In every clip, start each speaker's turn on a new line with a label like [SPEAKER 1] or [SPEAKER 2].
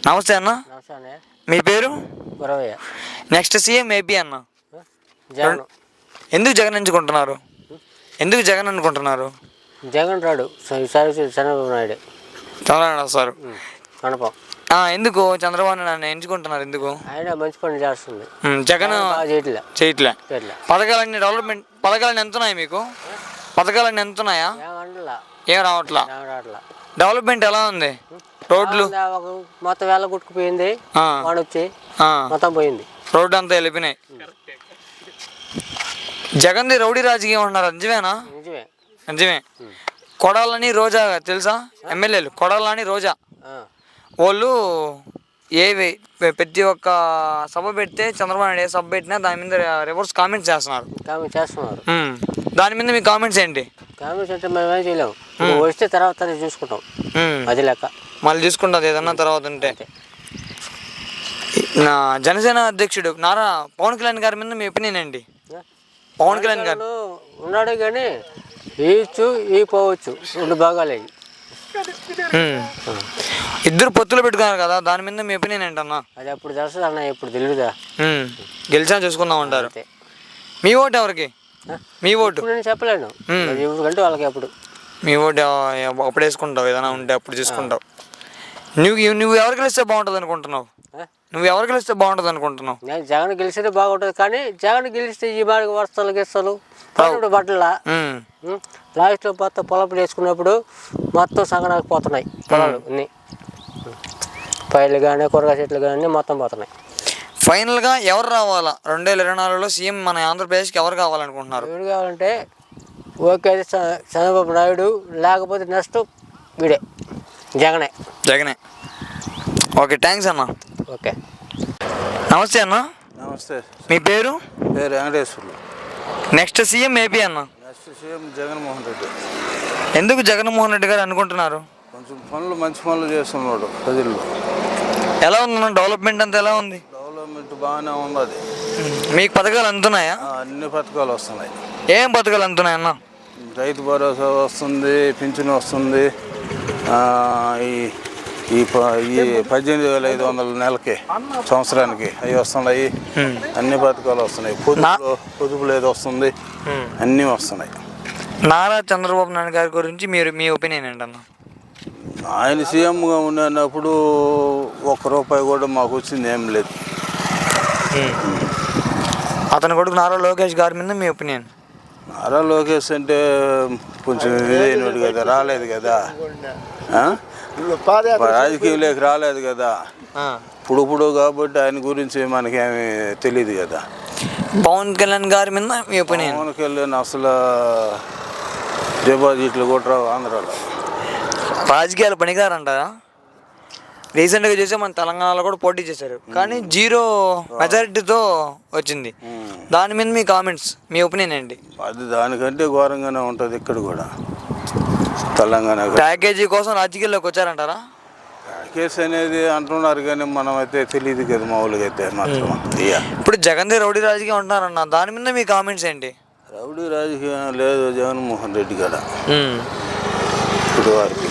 [SPEAKER 1] నమస్తే అన్న. మీ పేరు? నెక్స్ట్ సీఎం ఏపీ అన్న. ఎందుకు జగన్ ఎంచుకుంటున్నారు? ఎందుకు జగన్ అనుకుంటున్నారు?
[SPEAKER 2] జగన్ రాడు, చంద్రబాబు నాయుడు.
[SPEAKER 1] చంద్రబాబు సార్ ఎందుకు చంద్రబాబు నాయుడు ఎంచుకుంటున్నారు? ఎందుకు?
[SPEAKER 2] ఆయన మంచి పని చేస్తుంది.
[SPEAKER 1] జగన్ చేయట్లే. పథకాలన్నీ డెవలప్మెంట్ పథకాలన్నీ ఎంత ఉన్నాయి మీకు? పథకాలన్నీ ఎంత ఉన్నాయా? ఏం రావట్లా. డెవలప్మెంట్ ఎలా ఉంది? రోడ్లు
[SPEAKER 2] మొత్తం వేళ గుట్టుకుపోయింది, వచ్చి మొత్తం పోయింది,
[SPEAKER 1] రోడ్డు అంతా వెళ్ళిపోయినాయి. జగన్ది రౌడీ రాజకీయం అంటున్నారు, నిజమేనా? నిజమే. కొడాలని రోజా తెలుసా? ఎమ్మెల్యేలు కొడాలని రోజా వాళ్ళు ఏవి ప్రతి ఒక్క సభ పెడితే చంద్రబాబు నాయుడు ఏ సభ పెట్టినా దాని మీద రివర్స్ కామెంట్స్ చేస్తున్నారు. దాని మీద మీ కామెంట్స్ ఏంటి?
[SPEAKER 2] కామెంట్స్ అంటే మేము ఏం చేయలేము, వస్తే తర్వాత చూసుకుంటాం, అది లెక్క.
[SPEAKER 1] మళ్ళీ చూసుకుంటుంది ఏదన్నా తర్వాత ఉంటే. నా జనసేన అధ్యక్షుడు నారా పవన్ కళ్యాణ్ గారి మీద మీ ఒపీనియన్ ఏంటి? పవన్ కళ్యాణ్ గారు
[SPEAKER 2] ఉన్నాడు కానీ ఈ పోవచ్చు, రెండు భాగాలే.
[SPEAKER 1] ఇద్దరు పొత్తులు పెట్టుకున్నారు కదా, దాని మీద మీ ఒపీనియన్ ఏంటన్నా?
[SPEAKER 2] అది అప్పుడు తెలుస్తుంది అన్న, ఇప్పుడు తెలియదా.
[SPEAKER 1] గెలిచా చూసుకుందాం అంటారు. మీ ఓటు ఎవరికి? మీ ఓటు
[SPEAKER 2] నేను చెప్పలేను, ఎందుకంటే వాళ్ళకి అప్పుడు
[SPEAKER 1] మీ ఓటు అప్పుడు వేసుకుంటావు, ఏదైనా ఉంటే అప్పుడు చూసుకుంటావు. నువ్వు ఎవరు గెలిస్తే బాగుంటుంది అనుకుంటున్నావు? నువ్వు ఎవరు గెలిస్తే బాగుంటుంది అనుకుంటున్నావు?
[SPEAKER 2] నేను జగన్ గెలిస్తే బాగుంటుంది, కానీ జగన్ గెలిస్తే ఈ బాగా వస్తాలు గెస్తాలు బట్టల లాస్ట్లో మొత్తం పొలం వేసుకున్నప్పుడు మొత్తం సగనానికి పోతున్నాయి పొలాలు అన్నీ, పైర్లు కానీ కూరగాయ చెట్లు కానీ మొత్తం పోతున్నాయి.
[SPEAKER 1] ఫైనల్గా ఎవరు రావాలా 2024లో సీఎం మన ఆంధ్రప్రదేశ్కి ఎవరు కావాలనుకుంటున్నారు?
[SPEAKER 2] ఎవరు కావాలంటే ఓకే చంద్రబాబు నాయుడు, లేకపోతే నెక్స్ట్ వీడే జగనే.
[SPEAKER 1] ఓకే, థ్యాంక్స్ అన్న.
[SPEAKER 2] ఓకే,
[SPEAKER 1] నమస్తే అన్న.
[SPEAKER 3] నమస్తే.
[SPEAKER 1] మీ పేరు?
[SPEAKER 3] వెంకటేశ్వర్లు.
[SPEAKER 1] నెక్స్ట్ సీఎం ఏపీ అన్న.
[SPEAKER 3] Next CM Jaganmohan Reddy.
[SPEAKER 1] ఎందుకు జగన్మోహన్ రెడ్డి గారు అనుకుంటున్నారు?
[SPEAKER 3] కొంచెం మంచి పనులు చేస్తున్నాడు ప్రజల్లో.
[SPEAKER 1] ఎలా ఉందన్న డెవలప్మెంట్ అంతా ఎలా ఉంది?
[SPEAKER 3] డెవలప్మెంట్ బాగానే ఉన్నది.
[SPEAKER 1] మీకు పథకాలు అందుతున్నాయా?
[SPEAKER 3] అన్ని పథకాలు వస్తున్నాయి.
[SPEAKER 1] ఏం పథకాలు అందుతున్నాయన్న?
[SPEAKER 3] రైతు భరోసా వస్తుంది, పింఛను వస్తుంది, ఈ 18,500 నెలకి సంవత్సరానికి అవి వస్తున్నాయి. అన్ని పథకాలు వస్తున్నాయి. పొదుపులు ఏదో వస్తుంది, అన్నీ వస్తున్నాయి.
[SPEAKER 1] నారా చంద్రబాబు నాయుడు గారి గురించి మీ ఒపీనియన్ ఏంటన్నా?
[SPEAKER 3] ఆయన సీఎంగా ఉన్నప్పుడు ₹1 కూడా మాకు వచ్చింది ఏం లేదు.
[SPEAKER 1] అతని కొడుకు నారా లోకేష్ గారి మీద మీ ఒపీనియన్?
[SPEAKER 3] నారా లోకేష్ అంటే కొంచెం ఇదైనడు కదా, రాలేదు కదా, రాజకీయంలోకి రాలేదు కదా ఇప్పుడు కాబట్టి ఆయన గురించి మనకేమి తెలియదు కదా.
[SPEAKER 1] పవన్ కళ్యాణ్ గారి మీద మీ ఒపీనియన్?
[SPEAKER 3] పవన్ కళ్యాణ్ అసలు డిపాజిట్లు కూడా రావు ఆంధ్రాలో.
[SPEAKER 1] రాజకీయాలు పనికిరారంటారా? రీసెంట్గా చూసే మన తెలంగాణలో కూడా పోటీ చేశారు, కానీ 0 మెజారిటీతో వచ్చింది. దాని మీద మీ కామెంట్స్, మీ ఒపీనియన్ ఏంటి?
[SPEAKER 3] అది దానికంటే ఘోరంగానే ఉంటుంది ఇక్కడ కూడా. తెలంగాణ
[SPEAKER 1] ప్యాకేజీ కోసం రాజకీయాల్లోకి వచ్చారంటారా?
[SPEAKER 3] ప్యాకేజ్ అనేది అంటున్నారు కానీ మనం అయితే తెలియదు కదా మామూలుగా అయితే మాత్రం.
[SPEAKER 1] ఇప్పుడు జగన్ది రౌడీ రాజకీయం అంటున్నారన్న, దాని మీద మీ కామెంట్స్ ఏంటి?
[SPEAKER 3] రౌడీ రాజకీయం లేదు జగన్మోహన్ రెడ్డి గారు ఇప్పుడు వారికి.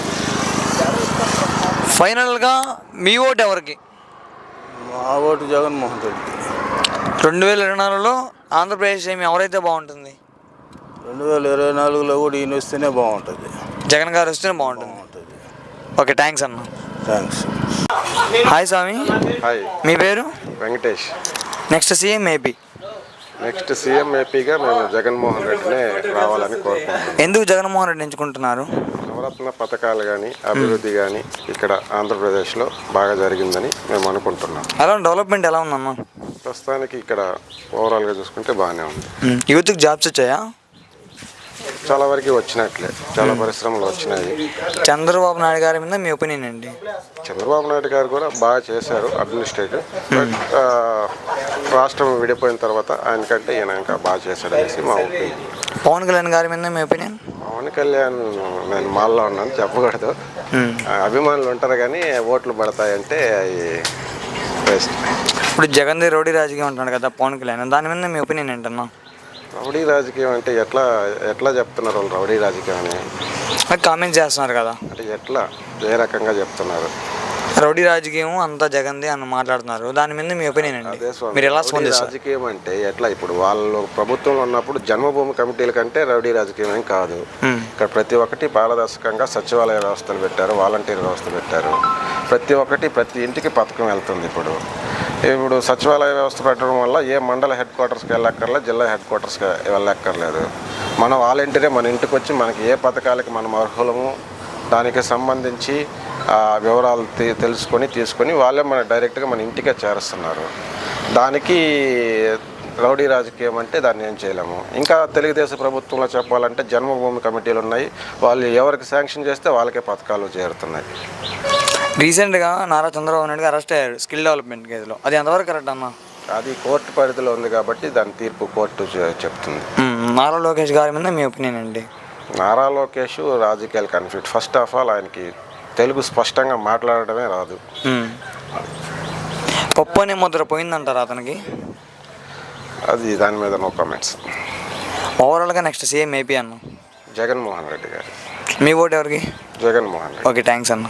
[SPEAKER 1] ఫైనల్గా మీ ఓటు ఎవరికి?
[SPEAKER 3] మా ఓటు జగన్మోహన్ రెడ్డి.
[SPEAKER 1] 2024లో ఆంధ్రప్రదేశ్ ఏమి ఎవరైతే బాగుంటుంది?
[SPEAKER 3] 2024లో కూడా ఈయన వస్తేనే బాగుంటుంది,
[SPEAKER 1] జగన్ గారు వస్తేనే బాగుంటుంది. ఓకే, థ్యాంక్స్ అన్న.
[SPEAKER 3] థ్యాంక్స్.
[SPEAKER 1] హాయ్ స్వామి.
[SPEAKER 4] హాయ్.
[SPEAKER 1] మీ పేరు?
[SPEAKER 4] Venkatesh.
[SPEAKER 1] Next CM AP.
[SPEAKER 4] Next CM ఏపీగా మేము జగన్మోహన్ రెడ్డినే రావాలని కోరుకుంటున్నాం.
[SPEAKER 1] ఎందుకు జగన్మోహన్ రెడ్డి ఎంచుకుంటున్నారు?
[SPEAKER 4] నవరత్న పథకాలు కానీ అభివృద్ధి కానీ ఇక్కడ ఆంధ్రప్రదేశ్లో బాగా జరిగిందని మేము అనుకుంటున్నాం.
[SPEAKER 1] ఎలా డెవలప్మెంట్ ఎలా ఉందమ్మా?
[SPEAKER 4] ప్రస్తుతానికి ఇక్కడ ఓవరాల్గా చూసుకుంటే బాగానే ఉంది.
[SPEAKER 1] యూత్కి జాబ్స్ వచ్చాయా?
[SPEAKER 4] చాలా వరకు వచ్చినట్లే, చాలా పరిశ్రమలు వచ్చినాయి.
[SPEAKER 1] చంద్రబాబు నాయుడు గారి మీద మీ ఒపీనియన్ ఏంటి?
[SPEAKER 4] చంద్రబాబు నాయుడు గారు కూడా బాగా చేశారు అడ్మినిస్ట్రేటివ్, బట్ రాష్ట్రం విడిపోయిన తర్వాత ఆయనకంటే ఈయన ఇంకా బాగా చేశాడు అనేసి మా ఒపీనియన్.
[SPEAKER 1] పవన్ కళ్యాణ్ గారి మీద మీ ఒపీనియన్?
[SPEAKER 4] పవన్ కళ్యాణ్ నేను మాల్లో ఉన్నాను చెప్పకూడదు, అభిమానులు ఉంటారు కానీ ఓట్లు పడతాయంటే అవి బెస్ట్.
[SPEAKER 1] ఇప్పుడు జగన్ది రౌడీ రాజకీయం అంటున్నాడు కదా పవన్ కళ్యాణ్, దాని మీద మీ ఒపీనియన్ ఏంటన్నా?
[SPEAKER 4] రౌడీ రాజకీయం అంటే ఎట్లా చెప్తున్నారు వాళ్ళు రౌడీ రాజకీయం అని?
[SPEAKER 1] కామెంట్స్ చేస్తున్నారు కదా,
[SPEAKER 4] అంటే ఎట్లా ఏ రకంగా చెప్తున్నారు?
[SPEAKER 1] రౌడీ రాజకీయం అంతా జగన్ది అని మాట్లాడుతున్నారు, దాని మీద మీ ఒపీనియన్ అండి,
[SPEAKER 4] అదే స్వామి,
[SPEAKER 1] మీరు ఎలా
[SPEAKER 4] రౌడీ
[SPEAKER 1] స్పందిస్తారు?
[SPEAKER 4] రాజకీయం అంటే ఎట్లా, ఇప్పుడు వాళ్ళు ప్రభుత్వంలో ఉన్నప్పుడు జన్మభూమి కమిటీల కంటే రౌడీ రాజకీయం ఏం కాదు. ఇక్కడ ప్రతి ఒక్కటి పారదర్శకంగా సచివాలయ వ్యవస్థలు పెట్టారు, వాలంటీర్ వ్యవస్థ పెట్టారు. ప్రతి ఇంటికి పథకం వెళ్తుంది. ఇప్పుడు సచివాలయ వ్యవస్థ పెట్టడం వల్ల ఏ మండల హెడ్ క్వార్టర్స్కి వెళ్ళక్కర్లేదు, జిల్లా హెడ్ క్వార్టర్స్కి వెళ్ళక్కర్లేదు. మన వాలంటీరే మన ఇంటికి వచ్చి మనకి ఏ పథకాలకి మనం అర్హులము దానికి సంబంధించి వివరాలు తీసుకొని వాళ్ళే మన డైరెక్ట్గా మన ఇంటికే చేరుస్తున్నారు. దానికి రౌడీ రాజకీయం అంటే దాన్ని ఏం చేయలేము. ఇంకా తెలుగుదేశం ప్రభుత్వంలో చెప్పాలంటే జన్మభూమి కమిటీలు ఉన్నాయి, వాళ్ళు ఎవరికి శాంక్షన్ చేస్తే వాళ్ళకే పథకాలు చేరుతున్నాయి.
[SPEAKER 1] రీసెంట్గా నారా చంద్రబాబు నాయుడు అరెస్ట్ అయ్యారు స్కిల్ డెవలప్మెంట్ కేసులో, అది ఎంతవరకు కరెక్ట్ అన్న?
[SPEAKER 4] అది కోర్టు పరిధిలో ఉంది కాబట్టి దాని తీర్పు కోర్టు చెప్తుంది.
[SPEAKER 1] నారా లోకేష్ గారి మీద మీ ఒపీనియన్ అండి?
[SPEAKER 4] నారా లోకేష్ రాజకీయాలు కన్ఫ్లిక్ట్. ఫస్ట్ ఆఫ్ ఆల్ ఆయనకి తెలుగు స్పష్టంగా మాట్లాడడమే రాదు.
[SPEAKER 1] పప్పు అనే ముద్ర పోయిందంటారా అతనికి?
[SPEAKER 4] అది దాని మీద నో కామెంట్స్.
[SPEAKER 1] ఓవరాల్గా నెక్స్ట్ సీఎం ఏపీ అన్న
[SPEAKER 4] జగన్మోహన్ రెడ్డి గారు.
[SPEAKER 1] మీ ఓటు ఎవరికి?
[SPEAKER 4] జగన్మోహన్ రెడ్డి.
[SPEAKER 1] ఓకే, థ్యాంక్స్ అన్న.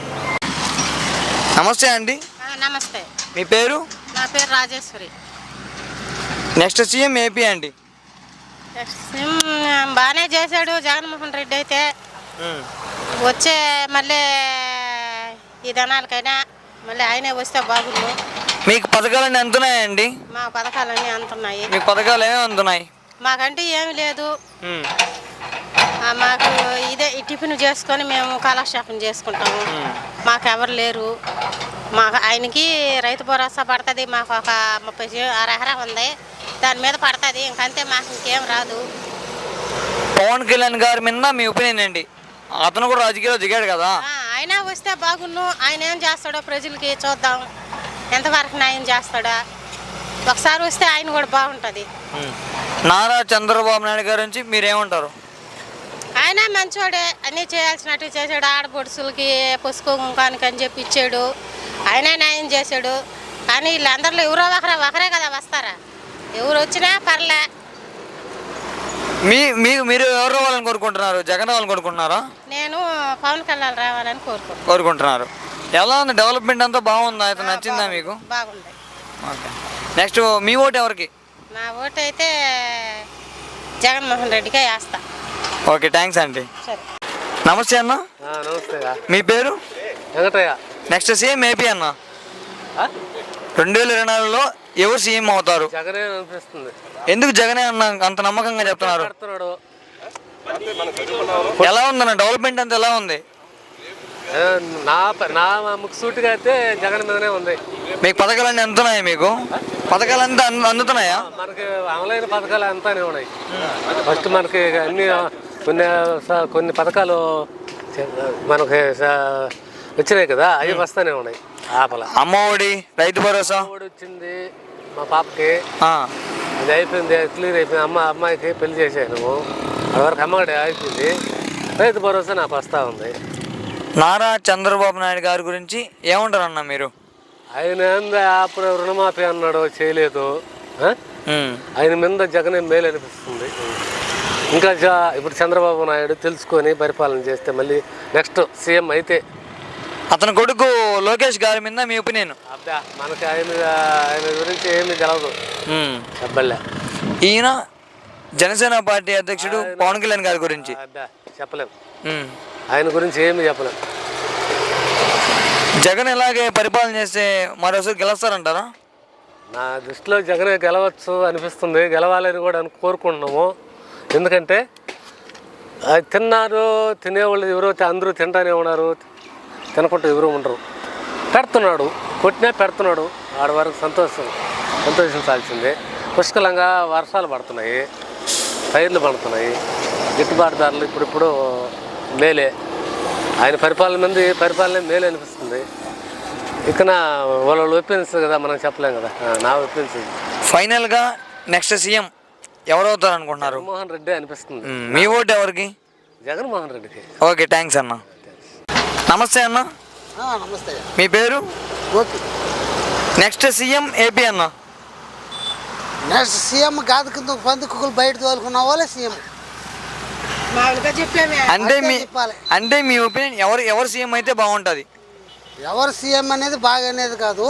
[SPEAKER 1] నమస్తే అండి.
[SPEAKER 5] నమస్తే.
[SPEAKER 1] మీ పేరు?
[SPEAKER 5] నా పేరు రాజేశ్వరి.
[SPEAKER 1] నెక్స్ట్ సీఎం ఏపీ అండి.
[SPEAKER 5] బాగానే చేశాడు జగన్మోహన్ రెడ్డి అయితే. వచ్చే మళ్ళీ ఈ ధనాలకైనా మళ్ళీ ఆయనే వస్తే బాగుండు.
[SPEAKER 1] మీకు పథకాలన్నీ అందుతున్నాయండి?
[SPEAKER 5] మా పథకాలన్నీ అందుతున్నాయి.
[SPEAKER 1] మీకు పథకాలు ఏమేమి అందుతున్నాయి?
[SPEAKER 5] మాకంటే ఏమి లేదు, మాకు ఇదే ఈ టిఫిన్ చేసుకొని మేము కాలక్షేపం చేసుకుంటాము. మాకు ఎవరు లేరు. మాకు ఆయనకి రైతు భరోసా పడుతుంది, మాకు ఒక 30 అరహర ఉంది, దాని మీద పడుతుంది. ఇంకంతే, మాకు ఇంకేం రాదు.
[SPEAKER 1] పవన్ కళ్యాణ్ గారి మీద మీ ఒపీనియన్ అండి? అతను కూడా రాజకీయాల్లో దిగాడు కదా,
[SPEAKER 5] ఆయన వస్తే బాగున్ను. ఆయన ఏం చేస్తాడో ప్రజలకి చూద్దాం, ఎంతవరకు న్యాయం చేస్తాడా. ఒకసారి వస్తే ఆయన కూడా బాగుంటుంది.
[SPEAKER 1] నారా చంద్రబాబు నాయుడు గారి నుంచి మీరేమంటారు?
[SPEAKER 5] ఆయన మంచోడే, అన్నీ చేయాల్సినట్టు చేశాడు. ఆడపడుచులకి పసుపు కుంకానికి అని చెప్పి ఇచ్చాడు, ఆయనే న్యాయం చేశాడు. కానీ వీళ్ళందరిలో ఎవరో ఒకరే కదా వస్తారా, ఎవరు వచ్చినా పర్లే.
[SPEAKER 1] మీరు ఎవరు రావాలని కోరుకుంటున్నారు? జగన్ రావాలని కోరుకుంటున్నారా?
[SPEAKER 5] నేను పవన్ కళ్యాణ్ రావాలని
[SPEAKER 1] కోరుకుంటున్నారు. ఎలా ఉంది డెవలప్మెంట్ అంతా? బాగుందా? అయితే నచ్చిందా మీకు?
[SPEAKER 5] బాగుంది.
[SPEAKER 1] ఓకే, నెక్స్ట్ మీ ఓటు ఎవరికి?
[SPEAKER 5] నా ఓటు అయితే జగన్మోహన్ రెడ్డికే వేస్తా.
[SPEAKER 1] ఓకే, థ్యాంక్స్ అండి.
[SPEAKER 5] సరే,
[SPEAKER 1] నమస్తే అన్న.
[SPEAKER 2] నమస్తే.
[SPEAKER 1] మీ పేరు?
[SPEAKER 2] వెంకటయ్య.
[SPEAKER 1] నెక్స్ట్ సీఎం ఏపీ అన్న 2024లో ఎవరు సీఎం అవుతారు?
[SPEAKER 2] జగనే అనిపిస్తుంది.
[SPEAKER 1] ఎందుకు జగనే అన్న అంత నమ్మకంగా చెప్తున్నారు? ఎలా ఉందన్న డెవలప్మెంట్ అంతా ఎలా ఉంది?
[SPEAKER 2] నా ముఖ్యసూటిగా అయితే జగన్ మీదనే ఉంది.
[SPEAKER 1] మీకు పథకాలన్నీ అందుతున్నాయా? మీకు పథకాలంతా అందుతున్నాయా?
[SPEAKER 2] మనకి అమలైన పథకాలు అంతానే ఉన్నాయి. ఫస్ట్ మనకి అన్ని కొన్ని పథకాలు మనకి వచ్చినాయి కదా, అవి వస్తానే ఉన్నాయి.
[SPEAKER 1] అమ్మఒడి, రైతు భరోసా
[SPEAKER 2] వచ్చింది మా పాపకి, అది అయిపోయింది, క్లియర్ అయిపోయింది. అమ్మాయికి పెళ్లి చేశాను, అదివరకు అమ్మగడి అయిపోయింది. రైతు భరోసా నాకు వస్తూ ఉంది.
[SPEAKER 1] నారా చంద్రబాబు నాయుడు గారి గురించి ఏమంటారు అన్న మీరు?
[SPEAKER 2] ఆయన అప్పుడు రుణమాఫీ అన్నాడు, చేయలేదు. ఆయన మీద జగనే మేలు అనిపిస్తుంది. ఇంకా ఇప్పుడు చంద్రబాబు నాయుడు తెలుసుకొని పరిపాలన చేస్తే మళ్ళీ నెక్స్ట్ సీఎం అయితే.
[SPEAKER 1] అతని కొడుకు లోకేష్ గారి మీద మీ ఒపీనియన్?
[SPEAKER 2] అబ్బా, మనకి ఆయన గురించి ఏమీ తెలవదు. చెప్పలే.
[SPEAKER 1] ఈయన జనసేన పార్టీ అధ్యక్షుడు పవన్ కళ్యాణ్ గారి గురించి
[SPEAKER 2] అబ్బా చెప్పలేము, ఆయన గురించి ఏమి చెప్పలేము.
[SPEAKER 1] జగన్ ఇలాగే పరిపాలన చేస్తే మరోసారి గెలుస్తారంటారా?
[SPEAKER 2] నా దృష్టిలో జగనే గెలవచ్చు అనిపిస్తుంది. గెలవాలని కూడా కోరుకుంటున్నాము. ఎందుకంటే అది తినేవాళ్ళు ఎవరో అందరూ తింటానే ఉన్నారు, తినకుండా ఎవరు ఉండరు. పెడుతున్నాడు, కొట్టినా పెడుతున్నాడు. ఆడ వరకు సంతోషించాల్సిందే. పుష్కలంగా వర్షాలు పడుతున్నాయి, పైర్లు పడుతున్నాయి, గిట్టుబాటు ధరలు ఇప్పుడు మేలే. ఆయన పరిపాలన మేలే అనిపిస్తుంది. ఇక వాళ్ళు ఒపీనియన్స్ కదా, మనం చెప్పలేం కదా. నా ఒపీనియన్స్.
[SPEAKER 1] ఫైనల్గా నెక్స్ట్ సీఎం ఎవరు అవుతారు అనుకుంటున్నారు?
[SPEAKER 2] జగన్మోహన్ రెడ్డి అనిపిస్తుంది.
[SPEAKER 1] మీ ఓటు ఎవరికి?
[SPEAKER 2] జగన్మోహన్ రెడ్డికి.
[SPEAKER 1] ఓకే, థ్యాంక్స్ అన్న. నమస్తే అన్న.
[SPEAKER 6] నమస్తే.
[SPEAKER 1] మీ పేరు?
[SPEAKER 6] ఓకే.
[SPEAKER 1] నెక్స్ట్ సీఎం ఏపీ అన్న.
[SPEAKER 6] నెక్స్ట్ సీఎం కాదు, కింద పందుకులు బయట తోలుకున్న వాళ్ళే సీఎం.
[SPEAKER 5] మామూలుగా చెప్పామే.
[SPEAKER 1] అంటే మీ ఒపీనియన్ ఎవరు సీఎం అయితే బాగుంటుంది?
[SPEAKER 6] ఎవరు సీఎం అనేది బాగా అనేది కాదు,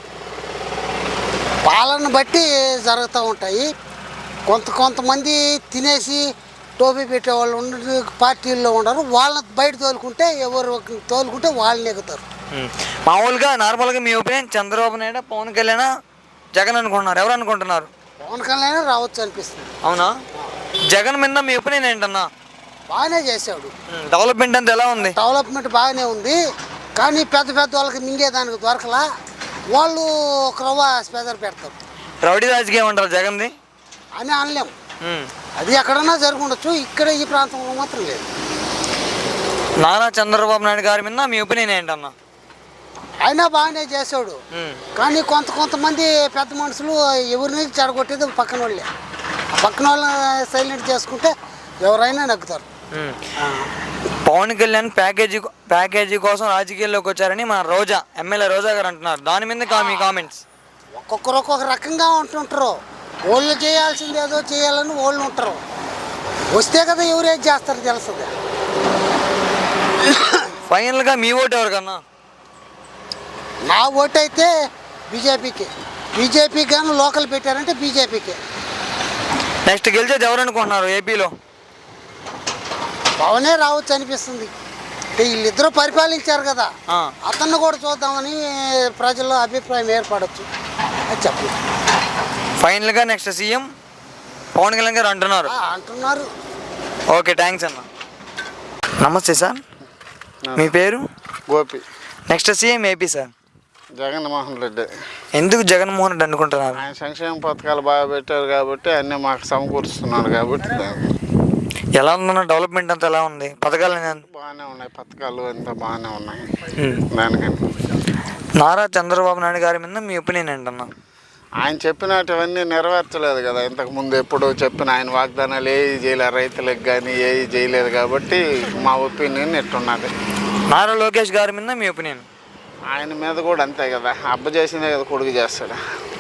[SPEAKER 6] పాలన బట్టి జరుగుతూ ఉంటాయి. కొంతమంది తినేసి టోపీ పెట్టేవాళ్ళు ఉండరు, పార్టీల్లో ఉండరు. వాళ్ళని బయట తోలుకుంటే ఎవరు తోలుకుంటే వాళ్ళని ఎగుతారు.
[SPEAKER 1] మామూలుగా నార్మల్గా మీ ఒపీనియన్ చంద్రబాబు నాయుడు, పవన్ కళ్యాణ్, జగన్ అనుకుంటున్నారు, ఎవరు అనుకుంటున్నారు?
[SPEAKER 6] పవన్ కళ్యాణ్ రావచ్చు అనిపిస్తుంది.
[SPEAKER 1] అవునా? జగన్ మీద మీ ఒపీనియన్ ఏంటన్నా?
[SPEAKER 6] బాగానే చేశాడు.
[SPEAKER 1] డెవలప్మెంట్ అంతా ఎలా ఉంది?
[SPEAKER 6] డెవలప్మెంట్ బాగానే ఉంది, కానీ పెద్ద వాళ్ళకి మింగేదానికి దొరకలా. వాళ్ళు ఒక రవ్వ స్పెదర్ పెడతారు.
[SPEAKER 1] రౌడీ రాజకీయం అంటారు జగన్ది
[SPEAKER 6] అని అనలేం. అది ఎక్కడన్నా జరుగుండొచ్చు, ఇక్కడ ఈ ప్రాంతంలో మాత్రం లేదు.
[SPEAKER 1] నారా చంద్రబాబు నాయుడు గారి మీద మీ ఒపీనియన్ ఏంటన్నా?
[SPEAKER 6] అయినా బాగానే చేశాడు, కానీ కొంతమంది పెద్ద మనుషులు ఎవరిని చెడగొట్టేది పక్కన వాళ్ళే. పక్కన వాళ్ళని సైలెంట్ చేసుకుంటే ఎవరైనా నగ్గుతారు.
[SPEAKER 1] పవన్ కళ్యాణ్ ప్యాకేజీ కోసం రాజకీయాల్లోకి వచ్చారని మన రోజా, ఎమ్మెల్యే రోజా గారు అంటున్నారు. దాని మీద మీ కామెంట్స్?
[SPEAKER 6] ఒక్కొక్కరు ఒక్కొక్క రకంగా ఉంటుంటారు. వాళ్ళు చేయాల్సింది ఏదో చేయాలని వాళ్ళు ఉంటారు. వస్తే కదా ఎవరు ఏం చేస్తారు తెలుస్తుంది.
[SPEAKER 1] ఫైనల్గా మీ ఓటు ఎవరికన్నా?
[SPEAKER 6] నా ఓటు అయితే బీజేపీకి కానీ లోకల్ పెట్టారంటే బీజేపీకి.
[SPEAKER 1] నెక్స్ట్ గెలిచేది ఎవరు అనుకుంటున్నారు ఏపీలో?
[SPEAKER 6] పవనే రావచ్చు అనిపిస్తుంది. వీళ్ళిద్దరూ పరిపాలించారు కదా, అతన్ని కూడా చూద్దామని ప్రజల్లో అభిప్రాయం ఏర్పడవచ్చు అది చెప్పు.
[SPEAKER 1] ఫైనల్గా నెక్స్ట్ సీఎం పవన్ కళ్యాణ్ గారు అంటున్నారు. ఓకే, థ్యాంక్స్ అన్న. నమస్తే సార్, మీ పేరు?
[SPEAKER 3] Gopi.
[SPEAKER 1] Next CM AP sir
[SPEAKER 3] Jaganmohan Reddy.
[SPEAKER 1] ఎందుకు జగన్మోహన్ రెడ్డి అనుకుంటున్నారు?
[SPEAKER 3] ఆయన సంక్షేమ పథకాలు బాగా పెట్టారు కాబట్టి అన్నీ మాకు సమకూరుస్తున్నాడు కాబట్టి.
[SPEAKER 1] ఎలా ఉందన్న డెవలప్మెంట్ అంతా ఎలా ఉంది? పథకాలు
[SPEAKER 3] బాగానే ఉన్నాయి, పథకాలు అంతా బాగానే ఉన్నాయి. దానికని
[SPEAKER 1] నారా చంద్రబాబు నాయుడు గారి మీద మీ ఒపీనియన్ ఏంటన్నా?
[SPEAKER 3] ఆయన చెప్పినటువన్నీ నెరవేర్చలేదు కదా. ఇంతకుముందు ఎప్పుడు చెప్పిన ఆయన వాగ్దానాలు ఏవి చేయలేదు, రైతులకు కానీ ఏవి చేయలేదు కాబట్టి మా ఒపీనియన్ ఎట్టున్నది.
[SPEAKER 1] నారా లోకేష్ గారి మీద మీ ఒపీనియన్?
[SPEAKER 3] ఆయన మీద కూడా అంతే కదా, అబ్బ చేసిందే కదా కొడుకు చేస్తాడు.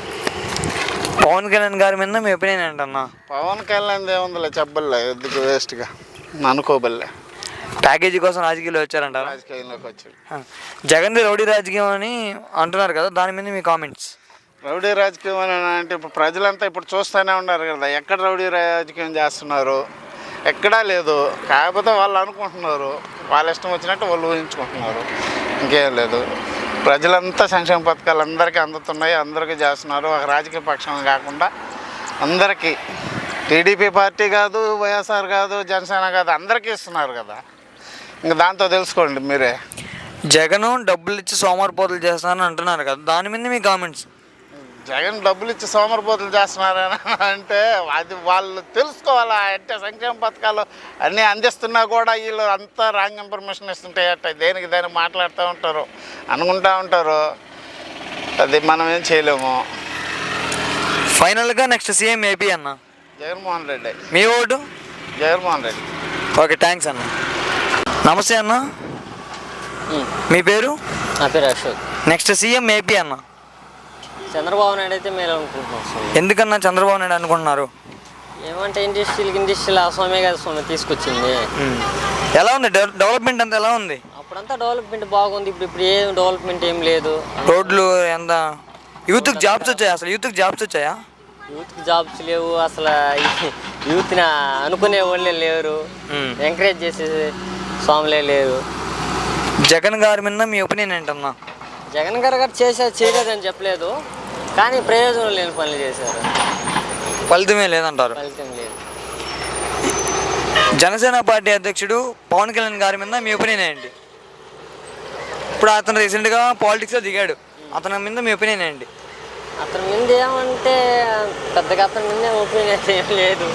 [SPEAKER 1] పవన్ కళ్యాణ్ గారి మీద మీ ఒపీనియన్ ఏంటన్నా?
[SPEAKER 3] పవన్ కళ్యాణ్ ఏముందిలే చెప్పలే, ఎందుకు వేస్ట్గా అనుకోబల్లే.
[SPEAKER 1] ప్యాకేజీ కోసం రాజకీయాలు వచ్చారంటారా?
[SPEAKER 3] రాజకీయంలోకి వచ్చాడు.
[SPEAKER 1] జగన్ది రౌడీ రాజకీయం అని అంటున్నారు కదా, దాని మీద మీ కామెంట్స్?
[SPEAKER 3] రౌడీ రాజకీయం అని అంటే ఇప్పుడు ప్రజలంతా ఇప్పుడు చూస్తూనే ఉన్నారు కదా, ఎక్కడ రౌడీ రాజకీయం చేస్తున్నారు, ఎక్కడా లేదు. కాకపోతే వాళ్ళు అనుకుంటున్నారు, వాళ్ళ ఇష్టం వచ్చినట్టు వాళ్ళు ఊహించుకుంటున్నారు, ఇంకేం లేదు. ప్రజలంతా సంక్షేమ పథకాలు అందరికీ అందుతున్నాయి, అందరికీ చేస్తున్నారు. ఒక రాజకీయ పక్షం కాకుండా అందరికీ, టీడీపీ పార్టీ కాదు, వైఎస్ఆర్ కాదు, జనసేన కాదు, అందరికీ ఇస్తున్నారు కదా. ఇంకా దాంతో తెలుసుకోండి మీరే.
[SPEAKER 1] జగన్ డబ్బులు ఇచ్చి సోమరిపోతులు చేస్తున్నారని అంటున్నారు కదా, దాని మీద మీ కామెంట్స్?
[SPEAKER 3] జగన్ డబ్బులు ఇచ్చి సోమరిపోతులు చేస్తున్నారని అంటే అది వాళ్ళు తెలుసుకోవాలా. అంటే సంక్షేమ పథకాలు అన్నీ అందిస్తున్నా కూడా వీళ్ళు అంతా రాంగ్ ఇన్ఫర్మేషన్ ఇస్తుంటే దేనికి దాన్ని మాట్లాడుతూ ఉంటారు, అనుకుంటూ ఉంటారు. అది మనం ఏం చేయలేము.
[SPEAKER 1] ఫైనల్గా నెక్స్ట్ సీఎం ఏపీ అన్న?
[SPEAKER 3] జగన్మోహన్ రెడ్డి.
[SPEAKER 1] మీ vote?
[SPEAKER 3] Jaganmohan Reddy.
[SPEAKER 1] Okay, thanks అన్న. నమస్తే అన్న, మీ పేరు?
[SPEAKER 2] నా పేరు అశోక్.
[SPEAKER 1] నెక్స్ట్ సీఎం ఏపీ అన్న?
[SPEAKER 2] చంద్రబాబు నాయుడు అయితే మేలు అనుకుంటున్నాం.
[SPEAKER 1] ఎందుకన్నా చంద్రబాబు నాయుడు అనుకుంటున్నారు?
[SPEAKER 2] ఏమంటే ఇండస్ట్రీలు స్వామి కదా స్వామి తీసుకొచ్చింది.
[SPEAKER 1] ఎలా ఉంది డెవలప్మెంట్ అంతా ఎలా ఉంది?
[SPEAKER 2] అప్పుడంతా డెవలప్మెంట్ బాగుంది, ఇప్పుడు ఏం డెవలప్మెంట్ ఏం లేదు.
[SPEAKER 1] రోడ్లు ఎంత? యూత్కి జాబ్స్ వచ్చాయా? అసలు యూత్కి జాబ్స్ వచ్చాయా?
[SPEAKER 2] యూత్కి జాబ్స్ లేవు అసలు. యూత్ని అనుకునే వాళ్ళే లేరు, ఎంకరేజ్ చేసే స్వాములే లేరు.
[SPEAKER 1] జగన్ గారి మీద మీ ఒపీనియన్ ఏంటన్నా?
[SPEAKER 2] జగన్ గారు చేయలేదని చెప్పలేదు, కానీ ప్రయోజనం లేని పనులు చేశారు.
[SPEAKER 1] ఫలితమే లేదంటారు?
[SPEAKER 2] ఫలితం లేదు.
[SPEAKER 1] జనసేన పార్టీ అధ్యక్షుడు పవన్ కళ్యాణ్ గారి మీద మీ ఒపీనియన్ ఏంటి? ఇప్పుడు అతను రీసెంట్గా పాలిటిక్స్లో దిగాడు, అతని మీద మీ ఒపీనియన్ ఏంటి?
[SPEAKER 2] అతని మీద ఏమంటే పెద్దగా అతని మీద ఒపీనియన్ ఏం లేదు.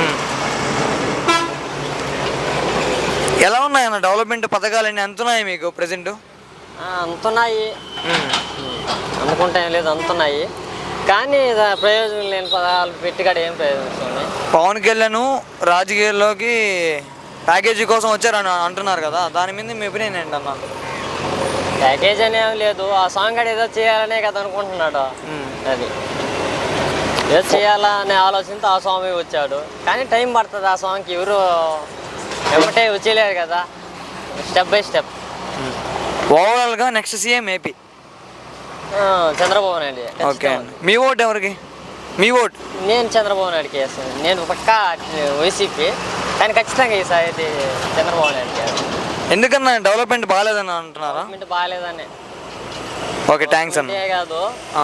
[SPEAKER 1] ఎలా ఉన్నాయన్న డెవలప్మెంట్ పథకాలన్నీ అంతున్నాయి మీకు ప్రెసెంట్?
[SPEAKER 2] అంతున్నాయి, అనుకుంటా ఏం లేదు, అంతున్నాయి. కానీ ప్రయోజనం లేని పదాలు పెట్టుకాడ ఏం ప్రయోజనం?
[SPEAKER 1] పవన్ కళ్యాణ్ రాజకీయాల్లోకి ప్యాకేజీ కోసం వచ్చారని అంటున్నారు కదా, దాని మీద మీ ఒపీనియన్ ఏంటన్నా?
[SPEAKER 2] ప్యాకేజ్ అనేవి లేదు, ఆ సాంగ్ కాడ ఏదో చేయాలనే కదా అనుకుంటున్నాడు. అది ఏదో చేయాలనే ఆలోచనతో ఆ స్వామి వచ్చాడు, కానీ టైం పడుతుంది. ఆ సాంగ్కి ఎవరు ఏమంటే వచ్చేయలేరు కదా, స్టెప్ బై స్టెప్.
[SPEAKER 1] ఓవరాల్గా next CM AP.
[SPEAKER 7] Chandrababu Naidu.
[SPEAKER 1] Okay అండి. మీ ఓటు ఎవరికి? మీ ఓటు?
[SPEAKER 7] నేను చంద్రబాబు నాయుడుకి వేస్తాను. నేను పక్కా వైసీపీ, కానీ ఖచ్చితంగా ఈసారి అయితే చంద్రబాబు నాయుడుకి వేస్తాను.
[SPEAKER 1] ఎందుకన్నా డెవలప్మెంట్ బాగాలేదని అంటున్నారా?
[SPEAKER 7] బాగాలేదని.
[SPEAKER 1] ఓకే, థ్యాంక్స్ అన్న.
[SPEAKER 7] అంతే కాదు,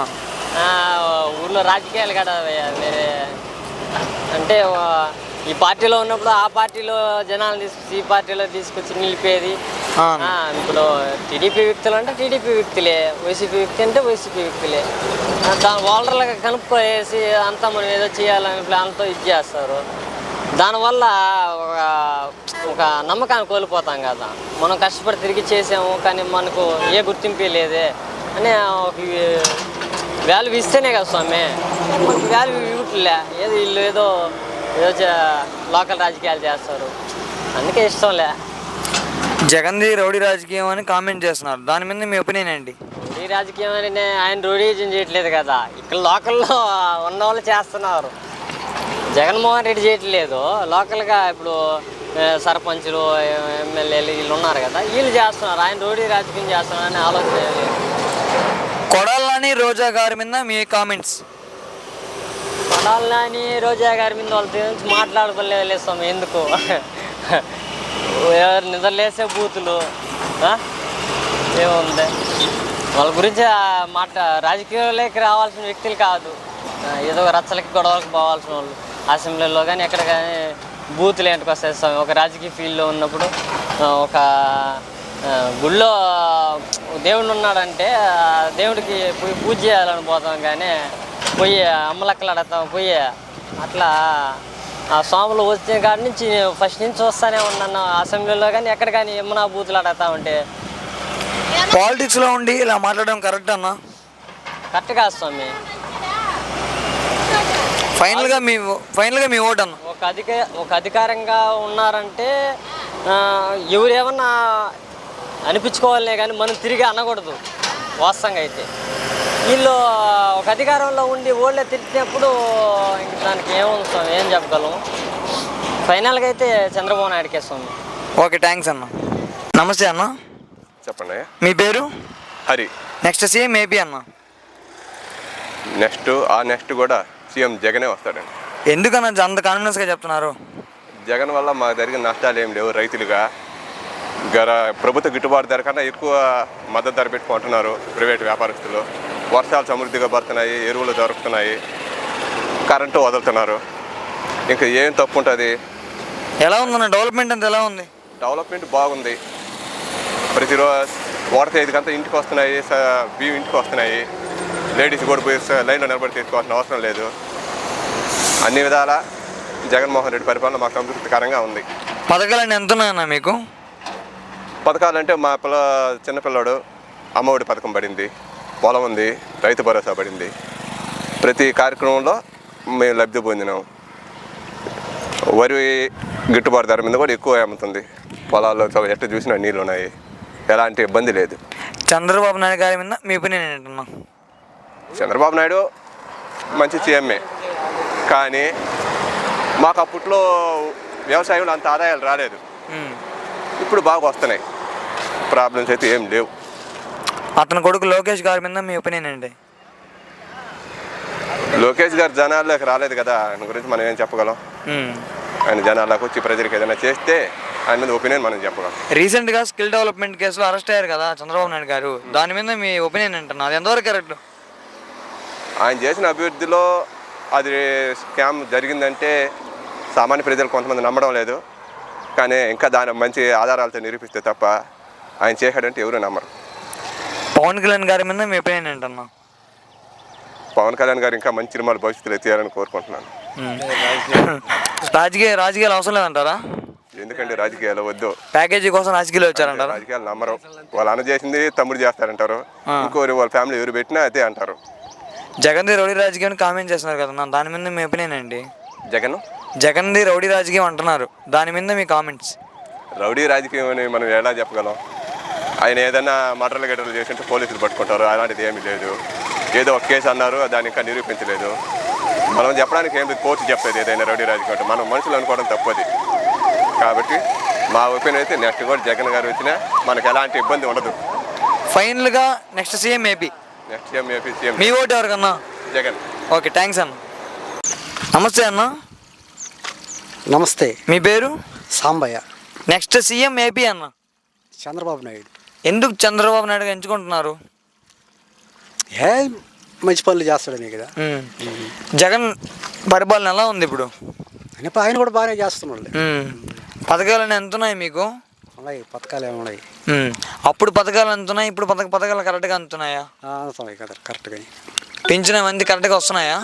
[SPEAKER 7] ఊర్లో రాజకీయాలు కదా వేరే, అంటే ఈ పార్టీలో ఉన్నప్పుడు ఆ పార్టీలో జనాలు తీసుకొచ్చి ఈ పార్టీలో తీసుకొచ్చి నిలిపేది. ఇప్పుడు టీడీపీ వ్యక్తులు అంటే టీడీపీ వ్యక్తులే, వైసీపీ వ్యక్తి అంటే వైసీపీ వ్యక్తులే. దాని ఓల్డర్లుగా కనుక్కోవేసి అంతా మనం ఏదో చేయాలని ప్లాన్తో ఇది చేస్తారు. దానివల్ల ఒక నమ్మకాన్ని కోల్పోతాం కదా. మనం కష్టపడి తిరిగి చేసాము కానీ మనకు ఏ గుర్తింపు లేదే అని ఒక వాల్యూ ఇస్తేనే కదా స్వామి. మనకు వాల్యూ ఇవ్వట్లే, ఏదో వీళ్ళు ఏదో లోకల్ రాజకీయాలు చేస్తారు, అందుకే ఇష్టంలే.
[SPEAKER 1] జగన్ది రౌడీ రాజకీయం అని కామెంట్ చేస్తున్నారు, దాని మీద మీ ఒపీనియన్ ఏంటి?
[SPEAKER 7] రౌడీ రాజకీయం అని ఆయన రౌడీజం చేయట్లేదు కదా, ఇక్కడ లోకల్లో ఉన్న వాళ్ళు చేస్తున్నారు. జగన్మోహన్ రెడ్డి చేయట్లేదు, లోకల్గా ఇప్పుడు సర్పంచులు ఎమ్మెల్యేలు వీళ్ళు ఉన్నారు కదా, వీళ్ళు చేస్తున్నారు. ఆయన రౌడీ రాజకీయం చేస్తున్నారని ఆలోచన.
[SPEAKER 1] కొడాలని రోజా గారి మీద మీ కామెంట్స్?
[SPEAKER 7] కొడాలని రోజా గారి మీద వాళ్ళ గురించి మాట్లాడుకోలేదు స్వామి. ఎందుకు ఎవరు నిద్రలేసే బూతులు ఏముంది వాళ్ళ గురించి రాజకీయాల్లోకి రావాల్సిన వ్యక్తులు కాదు, ఏదో రచ్చలకి గొడవలకు పోవాల్సిన వాళ్ళు. అసెంబ్లీలో కానీ ఎక్కడ కానీ బూతులు ఏంటికి వస్తాయి స్వామి. ఒక రాజకీయ ఫీల్డ్లో ఉన్నప్పుడు ఒక గుళ్ళో దేవుడు ఉన్నాడంటే దేవుడికి పోయి పూజ చేయాలని పోతాం, కానీ పోయి అమ్మలక్కలాడతాం పోయి. అట్లా ఆ స్వాములు వచ్చిన కాడి నుంచి ఫస్ట్ నుంచి వస్తానే ఉన్నాను అసెంబ్లీలో కానీ ఎక్కడ కానీ ఏమన్నా బూతులు ఆడతా ఉంటే.
[SPEAKER 1] పాలిటిక్స్లో ఉండి ఇలా మాట్లాడడం కరెక్ట్ అన్నా?
[SPEAKER 7] కరెక్ట్ కాదు స్వామి.
[SPEAKER 1] ఫైనల్గా మీ ఓటు అన్న?
[SPEAKER 7] ఒక అధికారంగా ఉన్నారంటే ఎవరేమన్నా అనిపించుకోవాలనే కానీ మనం తిరిగి అనకూడదు. వాస్తవంగా అయితే వీళ్ళు ఒక అధికారంలో ఉండి ఓళ్ళే తిరిగినప్పుడు ఇంక దానికి ఏముంది స్వామి, ఏం చెప్పగలము. ఫైనల్గా అయితే చంద్రబాబు నాయుడుకే స్వామి.
[SPEAKER 1] ఓకే, థ్యాంక్స్ అన్న. నమస్తే అన్న.
[SPEAKER 8] చెప్పండి.
[SPEAKER 1] మీ పేరు?
[SPEAKER 8] హరి.
[SPEAKER 1] నెక్స్ట్ సీఎం ఏపీ అన్న?
[SPEAKER 8] నెక్స్ట్ కూడా సీఎం జగనే వస్తాడండి.
[SPEAKER 1] ఎందుకన్నా అంత కాన్ఫిడెన్స్గా చెప్తున్నారు?
[SPEAKER 8] జగన్ వల్ల మాకు జరిగిన నష్టాలు ఏం లేవు. రైతులుగా ప్రభుత్వ గిట్టుబాటు ధర కన్నా ఎక్కువ మద్దతు ధర పెట్టుకుంటున్నారు ప్రైవేట్ వ్యాపారస్తులు. వర్షాలు సమృద్ధిగా పడుతున్నాయి, ఎరువులు దొరుకుతున్నాయి, కరెంటు వదులుతున్నారు. ఇంకా ఏం తప్పు ఉంటుంది?
[SPEAKER 1] ఎలా ఉందన్న డెవలప్మెంట్ అంతా? ఎలా ఉంది?
[SPEAKER 8] డెవలప్మెంట్ బాగుంది. ప్రతిరోజు వాటర్ ఐదుకంతా ఇంటికి వస్తున్నాయి, బియ్యం ఇంటికి వస్తున్నాయి. లేడీస్ కూడా పోయి లైన్లో నిలబడి తీసుకోవాల్సిన అవసరం లేదు. అన్ని విధాల జగన్మోహన్ రెడ్డి పరిపాలన మాకు సంతృప్తికరంగా ఉంది.
[SPEAKER 1] పథకాలన్నీ ఎంత ఉన్నాయన్నా మీకు?
[SPEAKER 8] పథకాలంటే మా చిన్నపిల్లాడు అమ్మఒడి పథకం పడింది, పొలం ఉంది, రైతు భరోసా పడింది. ప్రతి కార్యక్రమంలో మేము లబ్ధి పొందినాం. వరి గిట్టుబాటు ధర మీద కూడా ఎక్కువ అమ్ముతుంది. పొలాల్లో ఎట్ట చూసినా నీళ్ళు ఉన్నాయి, ఎలాంటి ఇబ్బంది లేదు.
[SPEAKER 1] చంద్రబాబు నాయుడు గారి మీద మీ ఒపీనియన్ ఏంటన్నా?
[SPEAKER 8] చంద్రబాబు నాయుడు మంచి సీఎంఏ, కానీ మాకు అప్పట్లో వ్యవసాయంలో అంత ఆదాయాలు రాలేదు. ఇప్పుడు బాగా వస్తున్నాయి, ప్రాబ్లమ్స్ అయితే ఏం లేవు.
[SPEAKER 1] అతని కొడుకు లోకేష్ గారి మీద మీ ఒపీనియన్ ఏంటి?
[SPEAKER 8] లోకేష్ గారు జనాల్లోకి రాలేదు కదా, ఆయన గురించి మనం ఏం చెప్పగలం. ఆయన జనాల్లోకి వచ్చి ప్రజలకు ఏదైనా చేస్తే ఆయన మీద ఒపీనియన్ మనం చెప్పగలం.
[SPEAKER 1] రీసెంట్గా స్కిల్ డెవలప్మెంట్ కేసులో అరెస్ట్ అయ్యారు కదా చంద్రబాబు నాయుడు గారు, దాని మీద మీ ఒపీనియన్ ఏంటన్నా? అది ఎంతవరకు కరెక్ట్?
[SPEAKER 8] ఆయన చేసిన అభివృద్ధిలో అది స్కామ్ జరిగిందంటే సామాన్య ప్రజలు కొంతమంది నమ్మడం లేదు, కానీ ఇంకా దాని మంచి ఆధారాలతో నిరూపిస్తే తప్ప ఆయన చేశాడంటే ఎవరు నమ్మరు.
[SPEAKER 1] పవన్ కళ్యాణ్ గారి మీద మీ ఒపీనియన్ ఏంటన్నా?
[SPEAKER 8] పవన్ కళ్యాణ్ గారు ఇంకా మంచి సినిమాలు భవిష్యత్తులో ఎత్తారని కోరుకుంటున్నాను.
[SPEAKER 1] రాజకీయాలు అవసరం లేదంటారా?
[SPEAKER 8] ఎందుకంటే రాజకీయాలు వద్దు,
[SPEAKER 1] ప్యాకేజీ కోసం రాజకీయాలు వచ్చారంటారా?
[SPEAKER 8] రాజకీయాలు నమ్మరు. వాళ్ళు అన్న చేసింది తమ్ముడు చేస్తారంటారు, ఇంకోరు వాళ్ళ ఫ్యామిలీ ఎవరు పెట్టినా అదే అంటారు.
[SPEAKER 1] జగన్ది రౌడీ రాజకీయం కామెంట్ చేస్తున్నారు కదా, దాని మీద మీ ఒపీనియన్ ఏంటి?
[SPEAKER 8] జగన్ది
[SPEAKER 1] రౌడీ రాజకీయం అంటున్నారు, దాని మీద మీ కామెంట్స్?
[SPEAKER 8] రౌడీ రాజకీయం అని మనం ఎలా చెప్పగలం? ఆయన ఏదైనా మర్డర్లు గడ్డలు చేసింటే పోలీసులు పట్టుకుంటారు, అలాంటిది ఏమీ లేదు. ఏదో ఒక కేసు అన్నారు, దాన్ని ఇంకా నిరూపించలేదు. మనం చెప్పడానికి ఏం లేదు, కోర్టు చెప్పేది ఏదైనా రౌడీ రాజకీయం అంటే. మనం మనుషులు అనుకోవడం తప్పది. కాబట్టి మా ఒపీనియన్ అయితే నెక్స్ట్ కూడా జగన్ గారు వచ్చినా మనకు ఎలాంటి ఇబ్బంది ఉండదు.
[SPEAKER 1] ఫైనల్గా next CM AP.
[SPEAKER 8] Next CM AP CM
[SPEAKER 1] మీ ఓటు ఎవరికన్నా?
[SPEAKER 8] జగన్.
[SPEAKER 1] ఓకే, థ్యాంక్స్ అన్న. నమస్తే అన్న.
[SPEAKER 9] నమస్తే.
[SPEAKER 1] మీ పేరు?
[SPEAKER 9] సాంబయ్య.
[SPEAKER 1] నెక్స్ట్ సీఎం ఏపీ అన్న.
[SPEAKER 9] చంద్రబాబు నాయుడు.
[SPEAKER 1] ఎందుకు చంద్రబాబు నాయుడు ఎంచుకుంటున్నారు?
[SPEAKER 9] ఏ మంచి పనులు చేస్తాడని కదా.
[SPEAKER 1] జగన్ పరిపాలన ఎలా ఉంది ఇప్పుడు?
[SPEAKER 9] ఆయన కూడా బాగానే చేస్తున్నాడు.
[SPEAKER 1] పథకాలు ఎంత ఉన్నాయి మీకు?
[SPEAKER 9] ఉన్నాయి, పథకాలు ఏమున్నాయి.
[SPEAKER 1] అప్పుడు పథకాలు ఎంత ఉన్నాయి, ఇప్పుడు పథకాలు కరెక్ట్గా అందుతున్నాయా?
[SPEAKER 9] అందుతున్నాయి కదా కరెక్ట్గా.
[SPEAKER 1] పెంచిన మంది కరెక్ట్గా వస్తున్నాయా?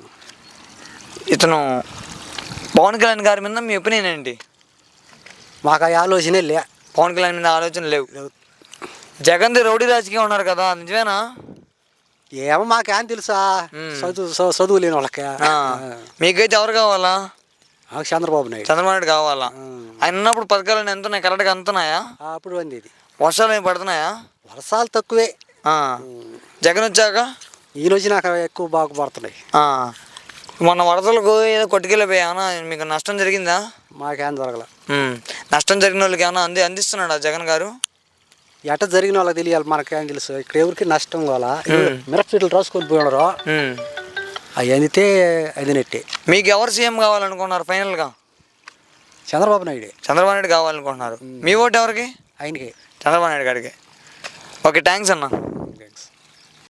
[SPEAKER 1] ఇతను పవన్ కళ్యాణ్ గారి మీద మీ ఒపీనియన్ ఏంటి?
[SPEAKER 9] మాకు ఆ ఆలోచనే లే.
[SPEAKER 1] పవన్ కళ్యాణ్ మీద ఆలోచన లేవు. జగన్ది రౌడీ రాజకీయం ఉన్నారు కదా, నిజమేనా?
[SPEAKER 9] ఏమో మాకేం తెలుసా, చదువు లేని వాళ్ళకి.
[SPEAKER 1] మీకైతే ఎవరు కావాలా?
[SPEAKER 9] చంద్రబాబు నాయుడు.
[SPEAKER 1] చంద్రబాబు నాయుడు కావాలా? ఆయన ఉన్నప్పుడు పథకాలు ఎంత ఉన్నాయి, కరెక్ట్గా అందుతున్నాయా?
[SPEAKER 9] అప్పుడు అంది.
[SPEAKER 1] వర్షాలు ఏమి పడుతున్నాయా?
[SPEAKER 9] వర్షాలు తక్కువే.
[SPEAKER 1] జగన్ వచ్చాక
[SPEAKER 9] ఈయన వచ్చి నాకు ఎక్కువ బాగా పడుతున్నాయి.
[SPEAKER 1] మొన్న వరదలకు ఏదో కొట్టుకెళ్ళిపోయామన్నా, మీకు నష్టం జరిగిందా?
[SPEAKER 9] మాకేం జరగల.
[SPEAKER 1] నష్టం జరిగిన వాళ్ళకి ఏమన్నా అందిస్తున్నాడా జగన్ గారు?
[SPEAKER 9] ఎట జరిగిన వాళ్ళకి తెలియాలి, మనకేం తెలుసు. ఇక్కడ ఎవరికి నష్టం కావాలా. మిరపచెట్లు రాసుకొని పోయినారు, అవి అందితే అది నెట్టే.
[SPEAKER 1] మీకు ఎవరు సీఎం కావాలనుకున్నారు ఫైనల్గా?
[SPEAKER 9] చంద్రబాబు నాయుడు.
[SPEAKER 1] చంద్రబాబు నాయుడు కావాలనుకుంటున్నారు. మీ ఓటు ఎవరికి?
[SPEAKER 9] ఆయనకి.
[SPEAKER 1] చంద్రబాబు నాయుడు గారికి. ఓకే, థ్యాంక్స్ అన్న.